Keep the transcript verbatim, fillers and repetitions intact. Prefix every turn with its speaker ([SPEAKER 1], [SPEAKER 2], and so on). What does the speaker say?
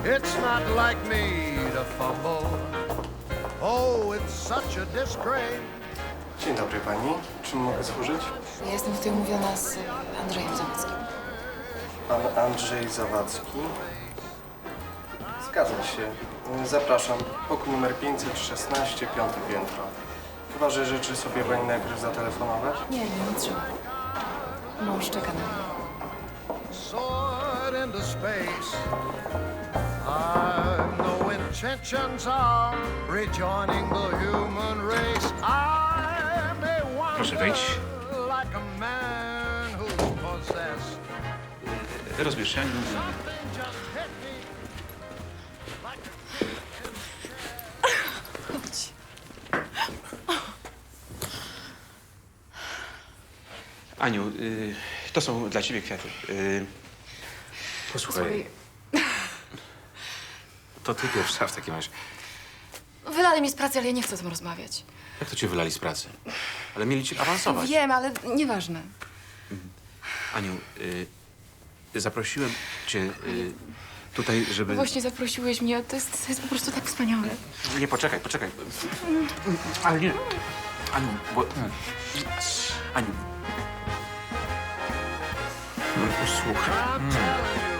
[SPEAKER 1] It's not like me to fumble. Oh, it's such a disgrace.
[SPEAKER 2] Dzień dobry pani. Czym mogę służyć?
[SPEAKER 3] Ja jestem tutaj umówiona z Andrzejem Zawadzkim.
[SPEAKER 2] Pan Andrzej Zawadzki. Zgadza się. Zapraszam. Pokój numer pięćset szesnaście, piąte piętro. Chyba że życzy sobie pani najpierw zatelefonować?
[SPEAKER 3] Nie, nie, nie trzeba. Mąż czeka na mnie.
[SPEAKER 1] Soared into space. I've no intentions of rejoining the human race. I may wander
[SPEAKER 4] Proszę wejść.
[SPEAKER 1] like a man who's possessed.
[SPEAKER 4] Rozbierz się.
[SPEAKER 1] Just hit me like a
[SPEAKER 3] Chodź.
[SPEAKER 4] Aniu, y, to są dla ciebie kwiaty. Y, posłuchaj,
[SPEAKER 3] Słuchaj,
[SPEAKER 5] To ty pierwsza w takim razie.
[SPEAKER 3] wylali mnie z pracy, ale ja nie chcę o tym rozmawiać.
[SPEAKER 5] Jak to cię wylali z pracy? Ale mieli cię awansować.
[SPEAKER 3] Wiem, ale nieważne.
[SPEAKER 4] Aniu, y, zaprosiłem cię y, tutaj, żeby...
[SPEAKER 3] Właśnie zaprosiłeś mnie, to jest, to jest po prostu tak wspaniałe.
[SPEAKER 4] Nie, poczekaj, poczekaj. Ale nie. Aniu, bo... Aniu. No, posłuchaj.
[SPEAKER 1] I'm telling you.